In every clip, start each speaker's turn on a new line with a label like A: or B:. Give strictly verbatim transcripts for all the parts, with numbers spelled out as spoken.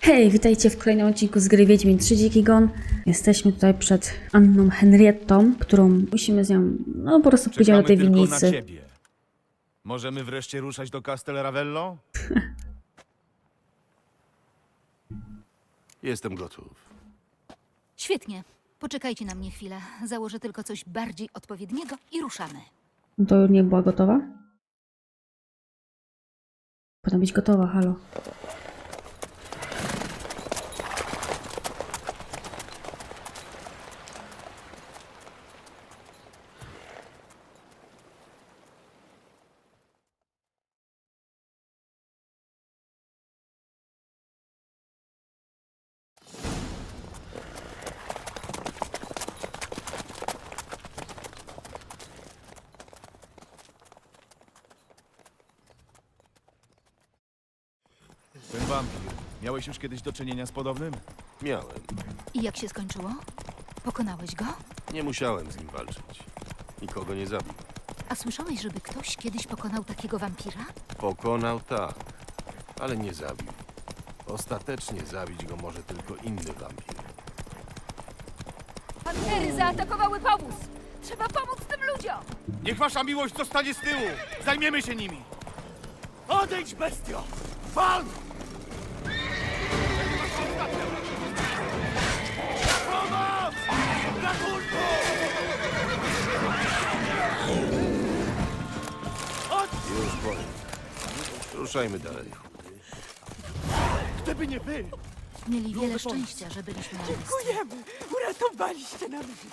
A: Hej, witajcie w kolejnym odcinku z gry Wiedźmin trzy Dziki Gon. Jesteśmy tutaj przed Anną Henriettą, którą musimy z nią, no po prostu pójdziemy do tej
B: tylko na
A: winnicy.
B: ciebie. Możemy wreszcie ruszać do Castel Ravello?
C: Jestem gotów.
D: Świetnie. Poczekajcie na mnie chwilę. Założę tylko coś bardziej odpowiedniego i ruszamy.
A: No to już nie była gotowa? Powinna być gotowa, halo.
B: Ten wampir. Miałeś już kiedyś do czynienia z podobnym?
C: Miałem.
D: I jak się skończyło? Pokonałeś go?
C: Nie musiałem z nim walczyć. Nikogo nie zabił.
D: A słyszałeś, żeby ktoś kiedyś pokonał takiego wampira?
C: Pokonał tak, ale nie zabił. Ostatecznie zabić go może tylko inny wampir.
D: Pantery zaatakowały powóz! Trzeba pomóc tym ludziom!
B: Niech wasza miłość zostanie z tyłu! Zajmiemy się nimi! Odejdź, bestio! Pan! Pomoc! Ratunku!
C: Już po nim. Ruszajmy dalej.
B: Gdyby nie wy!
D: Mieli wiele szczęścia, że byliśmy na miejscu.
E: Dziękujemy! Uratowaliście nam życie!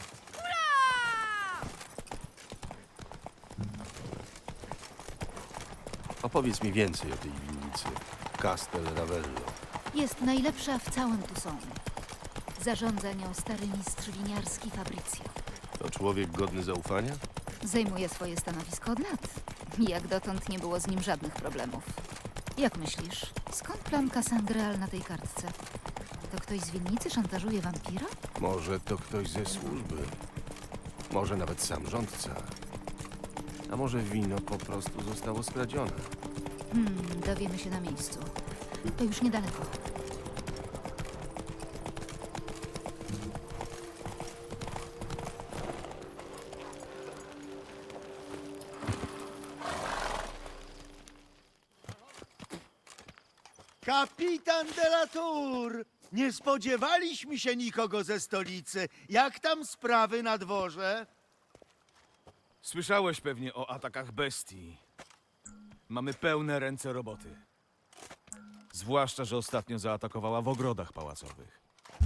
C: Opowiedz mi więcej o tej winnicy. Castel Ravello.
D: Jest najlepsza w całym Tucson. Zarządza nią stary mistrz winiarski Fabrizio.
C: To człowiek godny zaufania?
D: Zajmuje swoje stanowisko od lat. Jak dotąd nie było z nim żadnych problemów. Jak myślisz, skąd plamka Sangreal na tej kartce? To ktoś z winnicy szantażuje wampira?
C: Może to ktoś ze służby. Może nawet sam rządca. A może wino po prostu zostało skradzione.
D: Hmm, dowiemy się na miejscu. To już niedaleko.
E: Kapitan de la Tour! Nie spodziewaliśmy się nikogo ze stolicy. Jak tam sprawy na dworze?
B: Słyszałeś pewnie o atakach bestii. Mamy pełne ręce roboty. Zwłaszcza, że ostatnio zaatakowała w ogrodach pałacowych.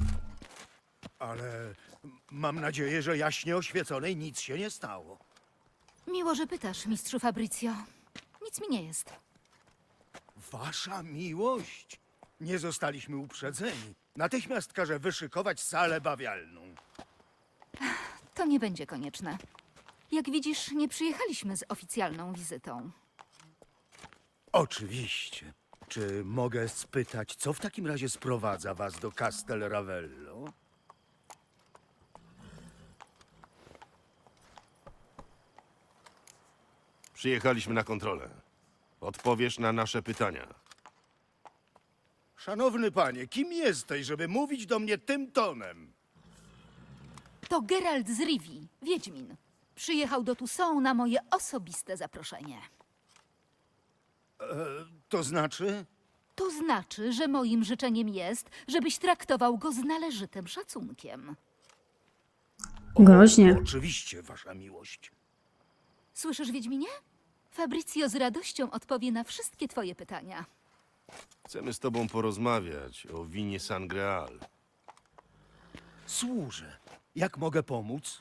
E: Ale mam nadzieję, że jaśnie oświeconej nic się nie stało.
D: Miło, że pytasz, mistrzu Fabrizio. Nic mi nie jest.
E: Wasza miłość? Nie zostaliśmy uprzedzeni. Natychmiast każę wyszykować salę bawialną.
D: To nie będzie konieczne. Jak widzisz, nie przyjechaliśmy z oficjalną wizytą.
E: Oczywiście. Czy mogę spytać, co w takim razie sprowadza was do Castel Ravello?
C: Przyjechaliśmy na kontrolę. Odpowiesz na nasze pytania.
E: Szanowny panie, kim jesteś, żeby mówić do mnie tym tonem?
D: To Geralt z Rivii, Wiedźmin. Przyjechał do Tucson na moje osobiste zaproszenie.
E: To znaczy?
D: To znaczy, że moim życzeniem jest, żebyś traktował go z należytym szacunkiem.
A: Groźnie.
E: Oczywiście, wasza miłość.
D: Słyszysz, Wiedźminie? Fabrizio z radością odpowie na wszystkie twoje pytania.
C: Chcemy z tobą porozmawiać o winie Sangreal.
E: Służę. Jak mogę pomóc?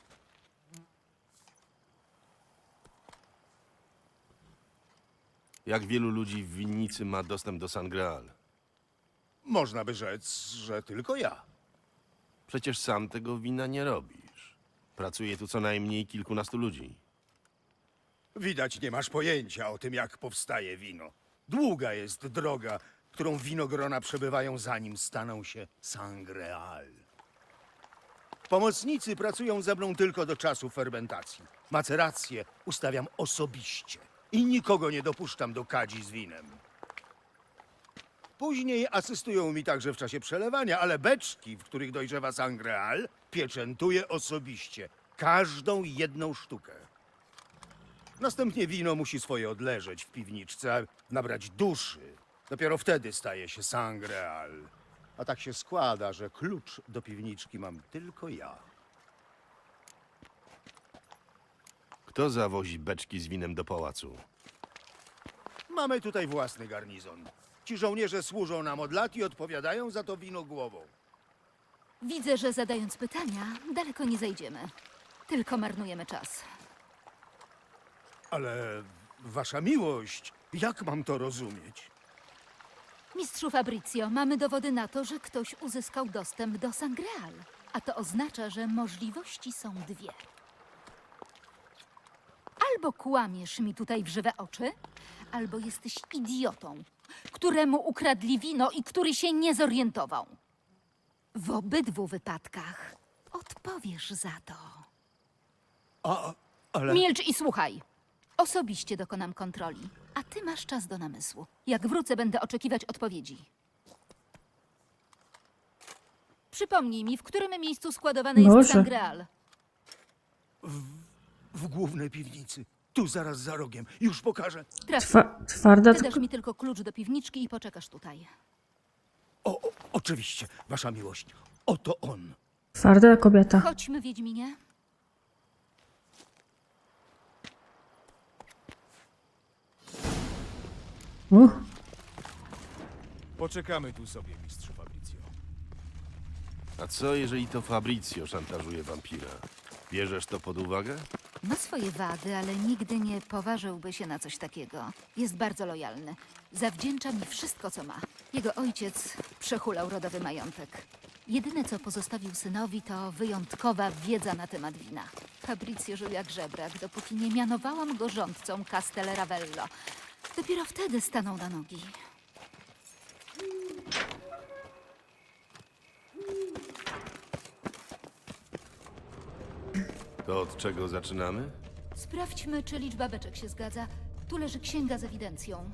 C: Jak wielu ludzi w winnicy ma dostęp do Sangreal?
E: Można by rzec, że tylko ja.
C: Przecież sam tego wina nie robisz. Pracuje tu co najmniej kilkunastu ludzi.
E: Widać, nie masz pojęcia o tym, jak powstaje wino. Długa jest droga, którą winogrona przebywają, zanim staną się sangreal. Pomocnicy pracują ze mną tylko do czasu fermentacji. Macerację ustawiam osobiście i nikogo nie dopuszczam do kadzi z winem. Później asystują mi także w czasie przelewania, ale beczki, w których dojrzewa Sangreal, pieczętuję osobiście. Każdą jedną sztukę. Następnie wino musi swoje odleżeć w piwniczce, nabrać duszy. Dopiero wtedy staje się Sangreal. A tak się składa, że klucz do piwniczki mam tylko ja.
C: Kto zawozi beczki z winem do pałacu?
E: Mamy tutaj własny garnizon. Ci żołnierze służą nam od lat i odpowiadają za to wino głową.
D: Widzę, że zadając pytania, daleko nie zajdziemy. Tylko marnujemy czas.
E: Ale wasza miłość, jak mam to rozumieć?
D: Mistrzu Fabrizio, mamy dowody na to, że ktoś uzyskał dostęp do Sangreal. A to oznacza, że możliwości są dwie. Albo kłamiesz mi tutaj w żywe oczy, albo jesteś idiotą, któremu ukradli wino i który się nie zorientował. W obydwu wypadkach odpowiesz za to.
E: A, ale...
D: Milcz i słuchaj. Osobiście dokonam kontroli, a ty masz czas do namysłu. Jak wrócę, będę oczekiwać odpowiedzi. Przypomnij mi, w którym miejscu składowane jest
A: Boże.
D: Sangreal.
E: W głównej piwnicy. Tu zaraz za rogiem. Już pokażę.
D: Traf.
A: Twa twarda,
D: Ty dasz
A: tylko
D: mi tylko klucz do piwniczki i poczekasz tutaj.
E: O, o, oczywiście, wasza miłość. Oto on.
A: twarda kobieta.
D: Chodźmy, Wiedźminie.
A: Uh,
B: Poczekamy tu sobie, mistrzu Fabrizio.
C: A co, jeżeli to Fabrizio szantażuje wampira? Bierzesz to pod uwagę?
D: Ma swoje wady, ale nigdy nie poważyłby się na coś takiego. Jest bardzo lojalny. Zawdzięcza mi wszystko, co ma. Jego ojciec przehulał rodowy majątek. Jedyne, co pozostawił synowi, to wyjątkowa wiedza na temat wina. Fabrizio żył jak żebrak, dopóki nie mianowałam go rządcą Castel Ravello. Dopiero wtedy stanął na nogi.
C: To od czego zaczynamy?
D: Sprawdźmy, czy liczba beczek się zgadza. Tu leży księga z ewidencją.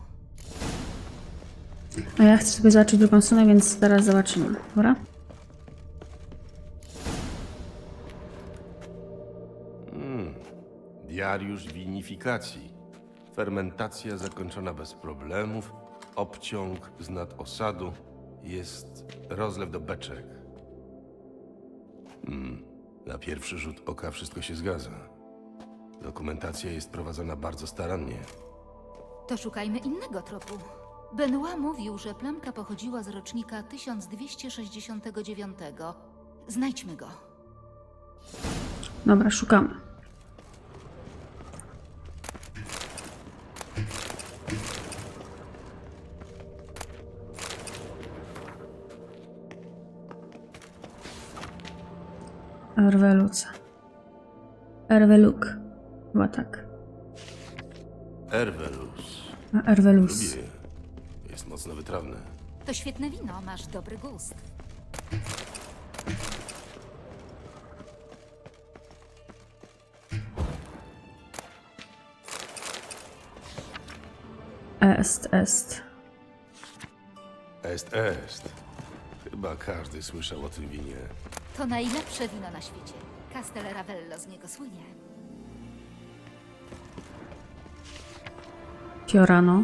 A: a ja chcę sobie zobaczyć drugą stronę, więc zaraz zobaczymy. Dobra?
C: Diariusz winifikacji. Fermentacja zakończona bez problemów. Obciąg z nadosadu. Jest rozlew do beczek. Hmm. Na pierwszy rzut oka wszystko się zgadza. Dokumentacja jest prowadzona bardzo starannie.
D: To szukajmy innego tropu. Benoit mówił, że plamka pochodziła z rocznika tysiąc dwieście sześćdziesiątego dziewiątego. Znajdźmy go.
A: Dobra, szukamy. Erweluca. Erweluk. Chyba tak.
C: Ervelus.
A: A Erwelus.
C: Lubię. Jest mocno wytrawne.
D: To świetne wino, masz dobry gust.
A: Est, est.
C: Est, est. Chyba każdy słyszał o tym winie.
D: To najlepsze wino na świecie. Castel Ravello z niego słynie.
A: Fiorano.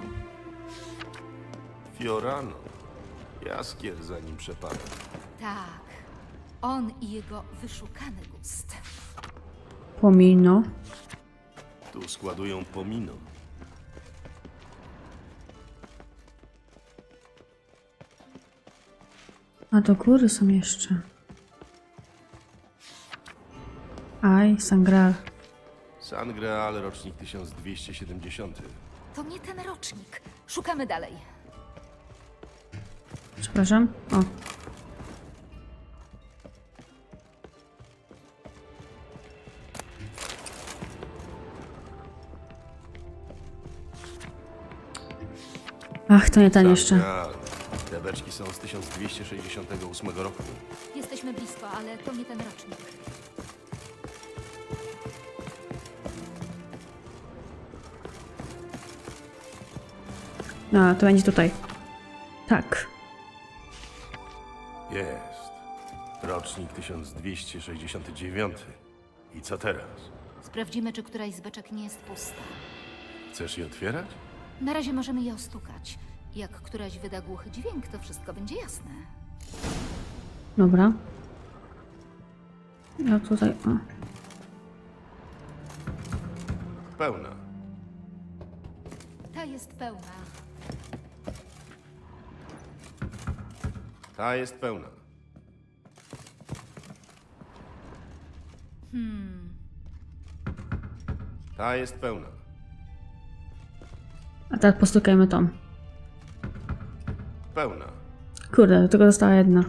C: Fiorano. Jaskier za nim przepada.
D: Tak. On i jego wyszukany gust.
A: Pomino.
C: Tu składują pomino.
A: A do góry są jeszcze. Aj, Sangreal.
C: Sangreal, rocznik tysiąc dwieście siedemdziesiąty.
D: To nie ten rocznik. Szukamy dalej.
A: Przepraszam. O. Ach, to nie ten jeszcze.
C: Sangreal. Te beczki są z tysiąc dwieście sześćdziesiątego ósmego roku.
D: Jesteśmy blisko, ale to nie ten rocznik.
A: No, to będzie tutaj. Tak.
C: Jest. Rocznik tysiąc dwieście sześćdziesiąty dziewiąty. I co teraz?
D: Sprawdzimy, czy któraś z beczek nie jest pusta.
C: Chcesz je otwierać?
D: Na razie możemy je ostukać. Jak któraś wyda głuchy dźwięk, to wszystko będzie jasne.
A: Dobra. Ja tutaj... O.
C: Pełna.
D: Ta jest pełna.
C: Ta jest pełna.
D: Hmm.
C: Ta jest pełna.
A: A teraz postukajmy tą.
C: Pełna.
A: Kurde, do tego została jedna.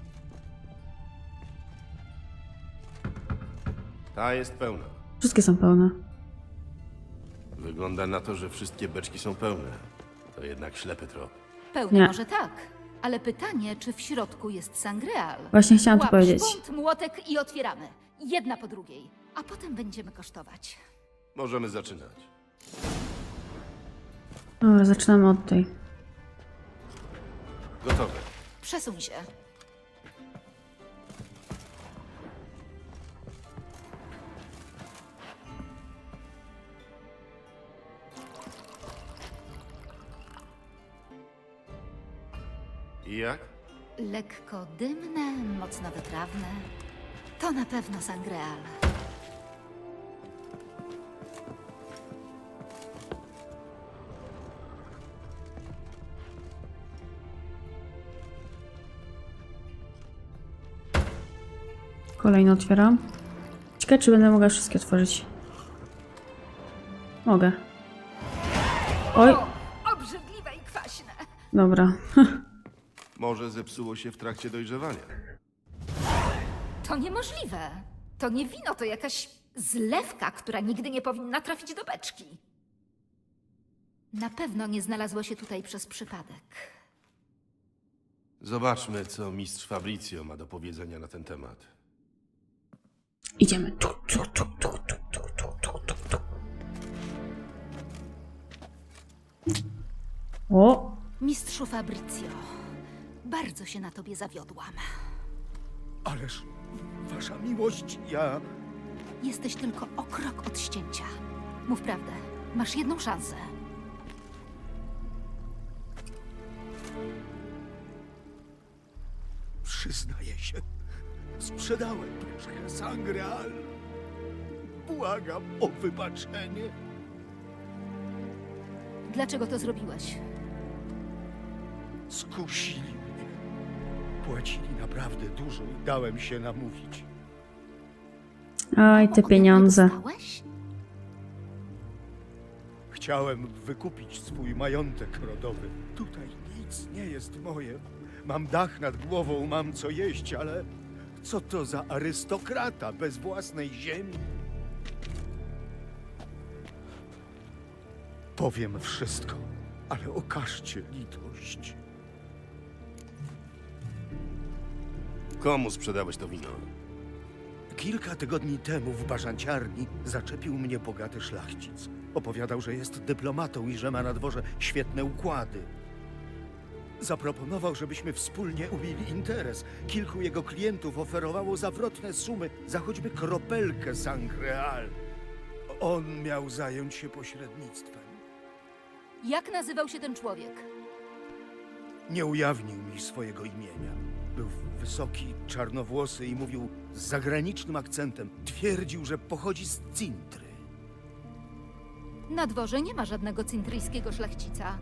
C: Ta jest pełna.
A: Wszystkie są pełne.
C: Wygląda na to, że wszystkie beczki są pełne. To jednak ślepy trop.
D: Pełna
A: Nie.
D: może tak. Ale pytanie, czy w środku jest sangreal?
A: Właśnie chciałam to
D: Łap
A: powiedzieć.
D: szpunt, młotek i otwieramy. Jedna po drugiej. A potem będziemy kosztować.
C: Możemy zaczynać.
A: Dobra, zaczynamy od tej.
C: Gotowe.
D: Przesuń się.
C: I jak?
D: Lekko dymne, mocno wytrawne. To na pewno sangreal.
A: Kolejny otwieram. Ciekawe, czy będę mogła wszystkie otworzyć. Mogę. Oj,
D: Obrzydliwe i kwaśne.
A: dobra.
C: Może zepsuło się w trakcie dojrzewania.
D: To niemożliwe. To nie wino, to jakaś zlewka, która nigdy nie powinna trafić do beczki. Na pewno nie znalazło się tutaj przez przypadek.
C: Zobaczmy, co mistrz Fabrizio ma do powiedzenia na ten temat.
A: Idziemy. Tu, tu, tu, tu, tu, tu, tu, tu, tu, tu. O,
D: Mistrzu Fabrizio, bardzo się na tobie zawiodłam.
E: Ależ, wasza miłość, ja...
D: Jesteś tylko o krok od ścięcia. Mów prawdę. Masz jedną szansę.
E: Przyznaję się, sprzedałem beczkę Sangreal. Błagam o wybaczenie.
D: Dlaczego to zrobiłeś?
E: Skusili mnie. Płacili naprawdę dużo i dałem się namówić.
A: aj, te
D: Ode mnie
A: pieniądze.
D: dostałeś?
E: Chciałem wykupić swój majątek rodowy. Tutaj nic nie jest moje. Mam dach nad głową, mam co jeść, ale co to za arystokrata bez własnej ziemi? Powiem wszystko, ale okażcie litość.
C: Komu sprzedałeś to wino?
E: Kilka tygodni temu w barzanciarni zaczepił mnie bogaty szlachcic. Opowiadał, że jest dyplomatą i że ma na dworze świetne układy. Zaproponował, żebyśmy wspólnie ubili interes. Kilku jego klientów oferowało zawrotne sumy za choćby kropelkę Sangreal. On miał zająć się pośrednictwem.
D: Jak nazywał się ten człowiek?
E: Nie ujawnił mi swojego imienia. Był wysoki, czarnowłosy i mówił z zagranicznym akcentem. Twierdził, że pochodzi z Cintry.
D: Na dworze nie ma żadnego cintryjskiego szlachcica.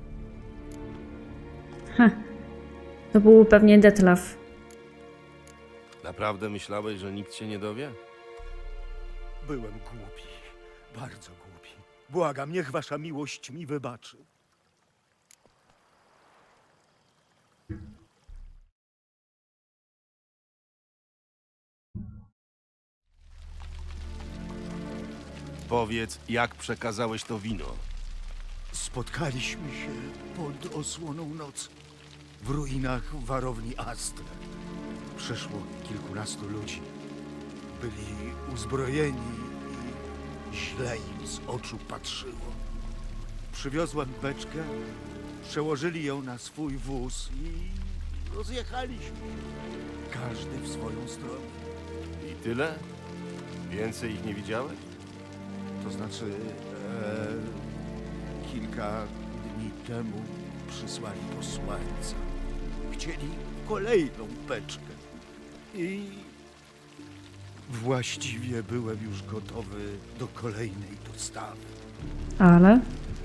A: To był pewnie Detlaf.
C: Naprawdę myślałeś, że nikt się nie dowie?
E: Byłem głupi, bardzo głupi. Błagam, niech wasza miłość mi wybaczy.
C: Powiedz, jak przekazałeś to wino.
E: Spotkaliśmy się pod osłoną nocy w ruinach warowni Astre. Przyszło kilkunastu ludzi. Byli uzbrojeni i źle im z oczu patrzyło. Przywiozłem beczkę, Przełożyli ją na swój wóz i rozjechaliśmy. Każdy w swoją stronę.
C: I tyle? Więcej ich nie widziałeś?
E: To znaczy, e, kilka dni temu przysłali posłańca. Chcieli kolejną beczkę. I właściwie byłem już gotowy do kolejnej dostawy.
A: Ale?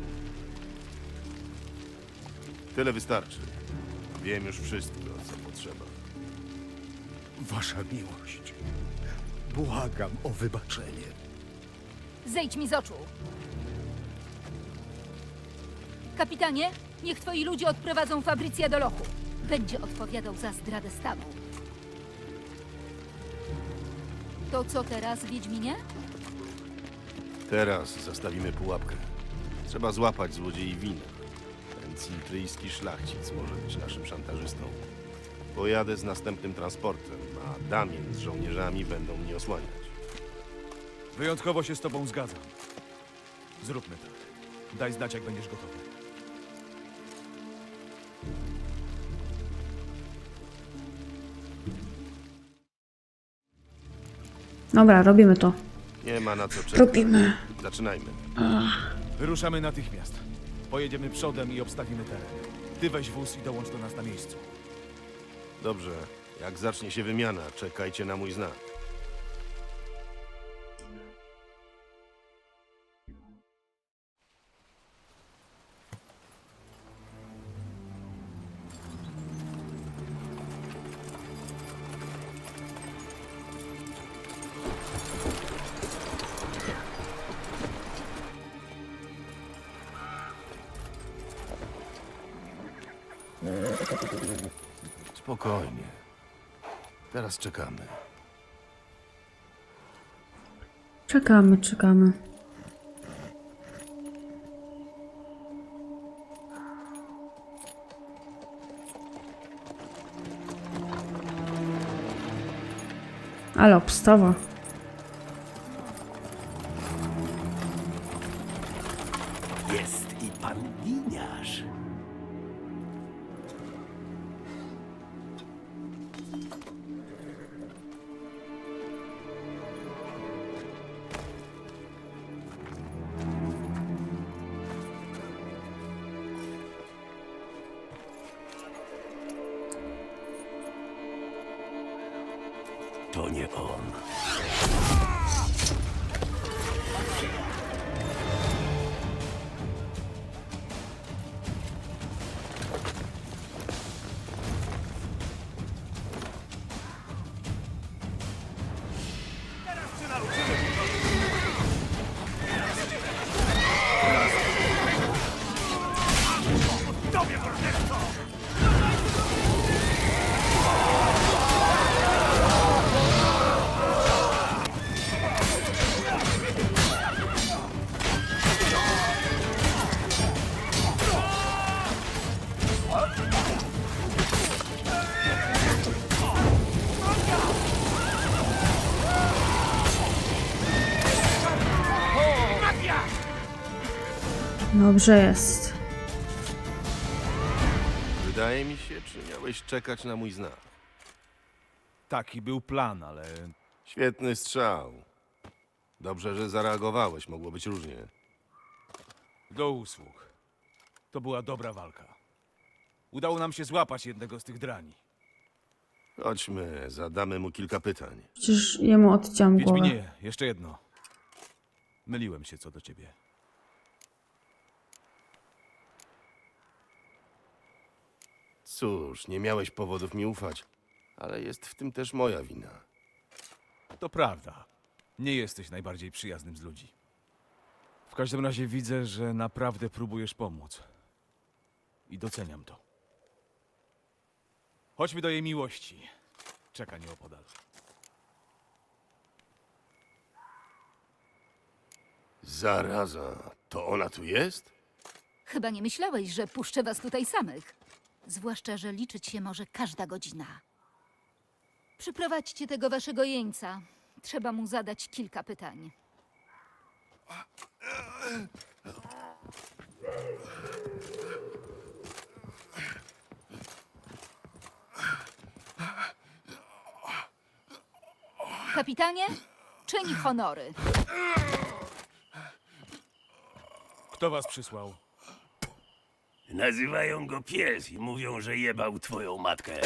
C: Tyle wystarczy. Wiem już wszystko, co potrzeba.
E: Wasza miłość. Błagam o wybaczenie.
D: Zejdź mi z oczu! Kapitanie, niech twoi ludzie odprowadzą Fabrycję do lochu. Będzie odpowiadał za zdradę stanu. To co teraz, Wiedźminie?
C: Teraz zastawimy pułapkę. Trzeba złapać złodziei wina. Ten cintryjski szlachcic może być naszym szantażystą. Pojadę z następnym transportem, a Damien z żołnierzami będą mnie osłaniać.
B: Wyjątkowo się z tobą zgadzam. Zróbmy tak. Daj znać, jak będziesz gotowy.
A: Dobra, robimy to.
C: Nie ma na co czekać.
A: Robimy.
C: Zaczynajmy.
B: Wyruszamy natychmiast. Pojedziemy przodem i obstawimy teren. Ty weź wóz i dołącz do nas na miejscu.
C: Dobrze. Jak zacznie się wymiana, czekajcie na mój znak. Spokojnie. Teraz czekamy.
A: Czekamy, czekamy. Ale obstawa.
F: Jest i pan winiarz. To nie on.
A: Dobrze jest.
C: Wydaje mi się, czy miałeś czekać na mój znak.
B: Taki był plan, ale
C: Świetny strzał. Dobrze, że zareagowałeś. Mogło być różnie.
B: do usług. To była dobra walka. Udało nam się złapać jednego z tych drani.
C: Chodźmy, zadamy mu kilka pytań.
A: Przecież jemu odciąłem głowę.
B: Wiedźminie, jeszcze jedno. Myliłem się co do ciebie.
C: Cóż, nie miałeś powodów mi ufać, ale jest w tym też moja wina.
B: To prawda. Nie jesteś najbardziej przyjaznym z ludzi. W każdym razie widzę, że naprawdę próbujesz pomóc. I doceniam to. Chodźmy do jej miłości. Czeka nieopodal.
C: Zaraza, to ona tu jest?
D: Chyba nie myślałeś, że puszczę was tutaj samych. Zwłaszcza, że liczyć się może każda godzina. Przyprowadźcie tego waszego jeńca. Trzeba mu zadać kilka pytań. Kapitanie, czyń honory.
B: Kto was przysłał?
F: Nazywają go pies i mówią, że jebał twoją matkę.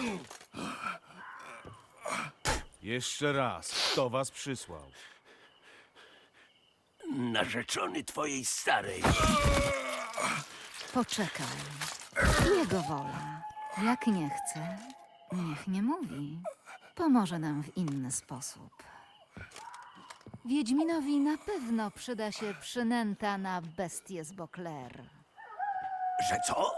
B: Jeszcze raz, kto was przysłał?
F: Narzeczony twojej starej.
D: Poczekaj. Jego wola. Jak nie chce, niech nie mówi. Pomoże nam w inny sposób. Wiedźminowi na pewno przyda się przynęta na bestię z Bokler.
F: Że co?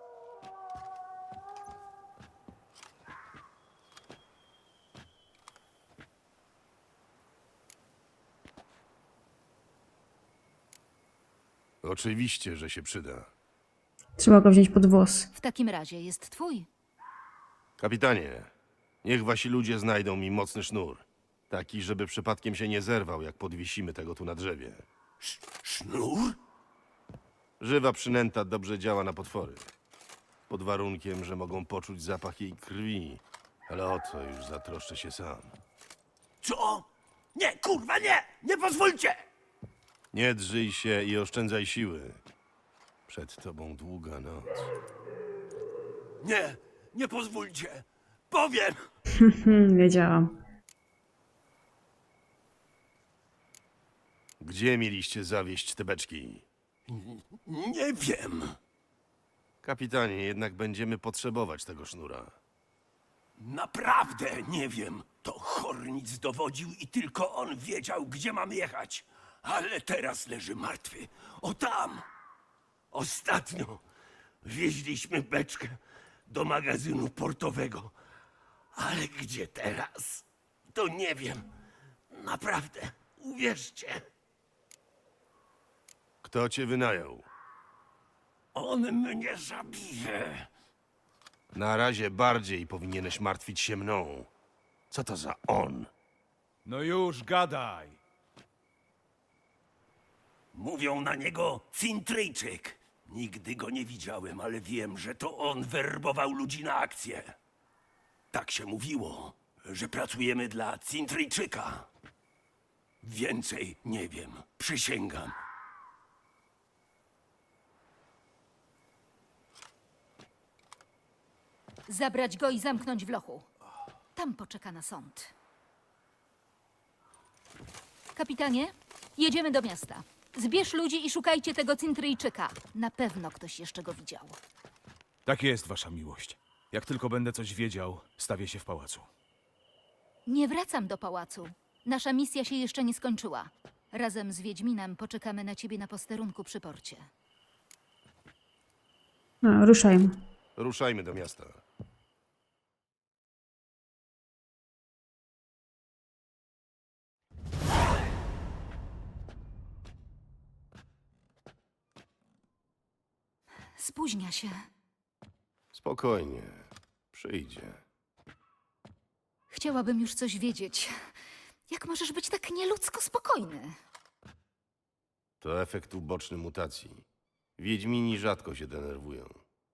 C: Oczywiście, że się przyda.
A: Trzeba go wziąć pod włos.
D: W takim razie jest twój.
C: Kapitanie, niech wasi ludzie znajdą mi mocny sznur. Taki, żeby przypadkiem się nie zerwał, jak podwiesimy tego tu na drzewie.
F: Sznur?
C: Żywa przynęta dobrze działa na potwory. Pod warunkiem, że mogą poczuć zapach jej krwi. Ale o to już zatroszczę się sam.
F: Co? Nie, kurwa, nie! Nie pozwólcie!
C: Nie drżyj się i oszczędzaj siły. Przed tobą długa noc.
F: Nie, nie pozwólcie! Powiem!
A: Hmm, wiedziałam.
C: Gdzie mieliście zawieść te beczki?
F: Nie wiem.
C: Kapitanie, jednak będziemy potrzebować tego sznura.
F: Naprawdę nie wiem. To Hornic dowodził i tylko on wiedział, gdzie mam jechać. Ale teraz leży martwy. O tam! Ostatnio wieźliśmy beczkę do magazynu portowego. Ale gdzie teraz? To nie wiem. Naprawdę, uwierzcie.
C: Kto cię wynajął?
F: On mnie zabije.
C: Na razie bardziej powinieneś martwić się mną. Co to za on?
B: No już, gadaj!
F: Mówią na niego Cintryjczyk. Nigdy go nie widziałem, ale wiem, że to on werbował ludzi na akcję. Tak się mówiło, że pracujemy dla Cintryjczyka. Więcej nie wiem, przysięgam.
D: Zabrać go i zamknąć w lochu. Tam poczeka na sąd. Kapitanie, jedziemy do miasta. Zbierz ludzi i szukajcie tego Cintryjczyka. Na pewno ktoś jeszcze go widział.
B: Tak jest, wasza miłość. Jak tylko będę coś wiedział, stawię się w pałacu.
D: Nie wracam do pałacu. Nasza misja się jeszcze nie skończyła. Razem z Wiedźminem poczekamy na ciebie na posterunku przy porcie.
A: No, ruszajmy.
C: Ruszajmy do miasta.
D: Spóźnia się.
C: Spokojnie. Przyjdzie.
D: Chciałabym już coś wiedzieć. Jak możesz być tak nieludzko spokojny?
C: To efekt uboczny mutacji. Wiedźmini rzadko się denerwują.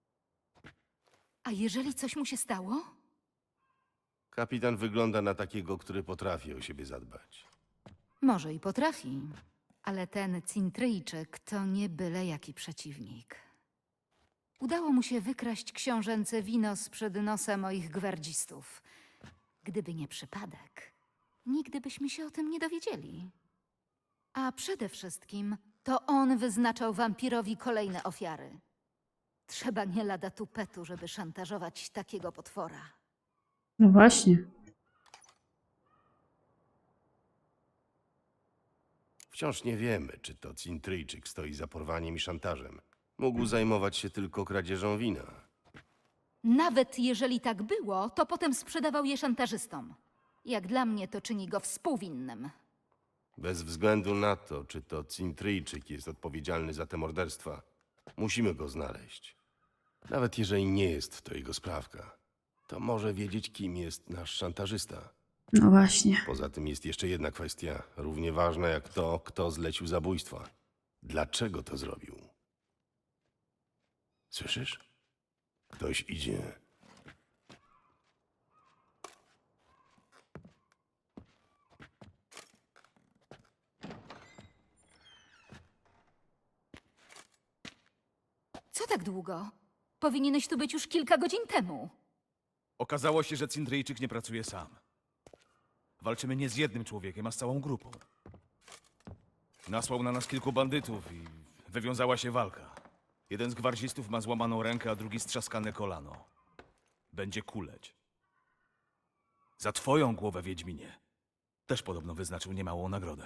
D: A jeżeli coś mu się stało?
C: Kapitan wygląda na takiego, który potrafi o siebie zadbać.
D: Może i potrafi, ale ten Cintryjczyk to nie byle jaki przeciwnik. Udało mu się wykraść książęce wino sprzed nosa moich gwardzistów. Gdyby nie przypadek, nigdy byśmy się o tym nie dowiedzieli. A przede wszystkim to on wyznaczał wampirowi kolejne ofiary. Trzeba nie lada tupetu, żeby szantażować takiego potwora.
A: No właśnie.
C: Wciąż nie wiemy, czy to Cintryjczyk stoi za porwaniem i szantażem. Mógł zajmować się tylko kradzieżą wina.
D: Nawet jeżeli tak było, to potem sprzedawał je szantażystom. Jak dla mnie to czyni go współwinnym.
C: Bez względu na to, czy to Cintryjczyk jest odpowiedzialny za te morderstwa, musimy go znaleźć. Nawet jeżeli nie jest to jego sprawka, to może wiedzieć, kim jest nasz szantażysta.
A: No właśnie.
C: Poza tym jest jeszcze jedna kwestia, równie ważna jak to, kto zlecił zabójstwa. Dlaczego to zrobił? Słyszysz? Ktoś idzie.
D: tak długo? Powinieneś tu być już kilka godzin temu.
B: Okazało się, że Cintryjczyk nie pracuje sam. Walczymy nie z jednym człowiekiem, a z całą grupą. Nasłał na nas kilku bandytów i wywiązała się walka. Jeden z gwardzistów ma złamaną rękę, a drugi strzaskane kolano. Będzie kuleć. Za twoją głowę, Wiedźminie. Też podobno wyznaczył niemałą nagrodę.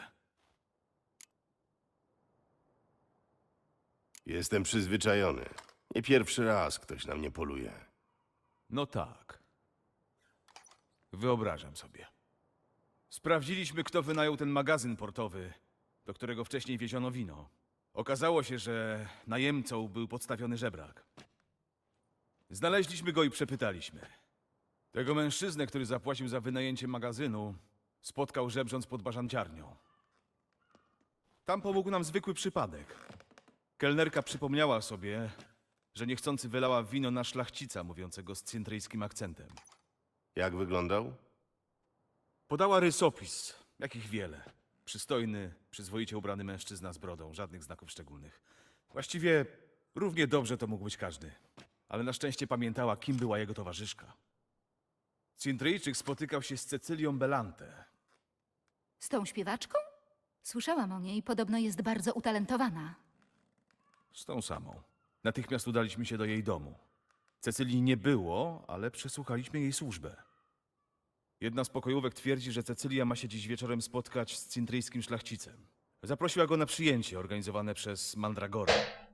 C: Jestem przyzwyczajony. Nie pierwszy raz ktoś na mnie poluje.
B: No tak. Wyobrażam sobie. Sprawdziliśmy, kto wynajął ten magazyn portowy, do którego wcześniej wieziono wino. Okazało się, że najemcą był podstawiony żebrak. Znaleźliśmy go i przepytaliśmy. Tego mężczyznę, który zapłacił za wynajęcie magazynu, spotkał żebrząc pod barzanciarnią. Tam pomógł nam zwykły przypadek. Kelnerka przypomniała sobie, że niechcący wylała wino na szlachcica mówiącego z cintryjskim akcentem.
C: Jak wyglądał?
B: Podała rysopis, jakich wiele. Przystojny, przyzwoicie ubrany mężczyzna z brodą, żadnych znaków szczególnych. Właściwie równie dobrze to mógł być każdy. Ale na szczęście pamiętała, kim była jego towarzyszka. Cintryjczyk spotykał się z Cecylią Belante.
D: Z tą śpiewaczką? Słyszałam o niej, podobno jest bardzo utalentowana.
B: Z tą samą. Natychmiast udaliśmy się do jej domu. Cecylii nie było, ale przesłuchaliśmy jej służbę. Jedna z pokojówek twierdzi, że Cecylia ma się dziś wieczorem spotkać z cintryjskim szlachcicem. Zaprosiła go na przyjęcie organizowane przez Mandragorę.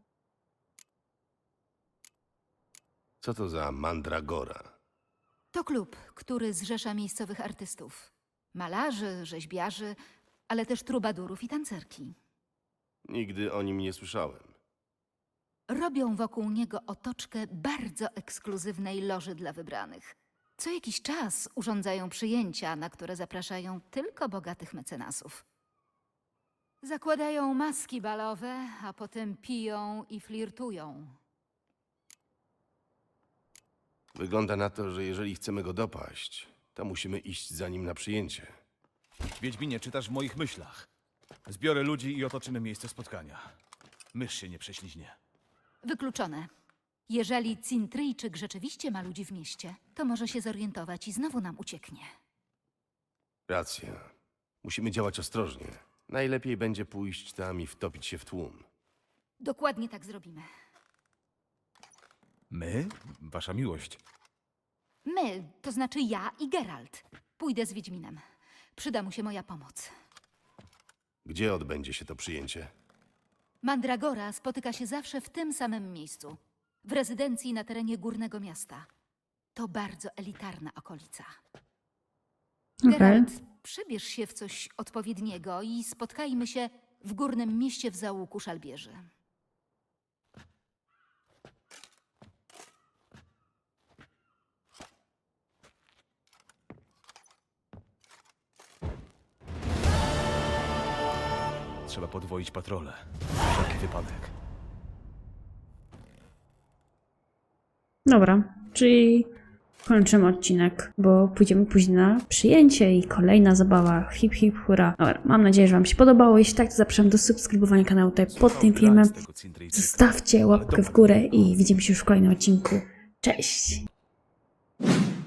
C: Co to za mandragora?
D: To klub, który zrzesza miejscowych artystów. Malarzy, rzeźbiarzy, ale też trubadurów i tancerki.
C: Nigdy o nim nie słyszałem.
D: Robią wokół niego otoczkę bardzo ekskluzywnej loży dla wybranych. Co jakiś czas urządzają przyjęcia, na które zapraszają tylko bogatych mecenasów. Zakładają maski balowe, a potem piją i flirtują.
C: Wygląda na to, że jeżeli chcemy go dopaść, to musimy iść za nim na przyjęcie.
B: Wiedźminie, czytasz w moich myślach. Zbiorę ludzi i otoczymy miejsce spotkania. Mysz się nie prześliźnie.
D: Wykluczone. Jeżeli Cintryjczyk rzeczywiście ma ludzi w mieście, to może się zorientować i znowu nam ucieknie.
C: Racja. Musimy działać ostrożnie. Najlepiej będzie pójść tam i wtopić się w tłum.
D: Dokładnie tak zrobimy.
B: My? Wasza miłość.
D: My, to znaczy ja i Geralt. Pójdę z Wiedźminem. Przyda mu się moja pomoc.
C: Gdzie odbędzie się to przyjęcie?
D: Mandragora spotyka się zawsze w tym samym miejscu. W rezydencji na terenie Górnego Miasta. To bardzo elitarna okolica.
A: Okej.
D: Geralt, przybierz się w coś odpowiedniego i spotkajmy się w Górnym Mieście w załuku szalbierzy.
B: Trzeba podwoić patrole. Na wszelki wypadek.
A: Dobra, czyli kończymy odcinek, bo pójdziemy później na przyjęcie i kolejna zabawa. Hip hip hura. Dobra, mam nadzieję, że wam się podobało. Jeśli tak, to zapraszam do subskrybowania kanału tutaj pod tym filmem. Zostawcie łapkę w górę i widzimy się już w kolejnym odcinku. Cześć!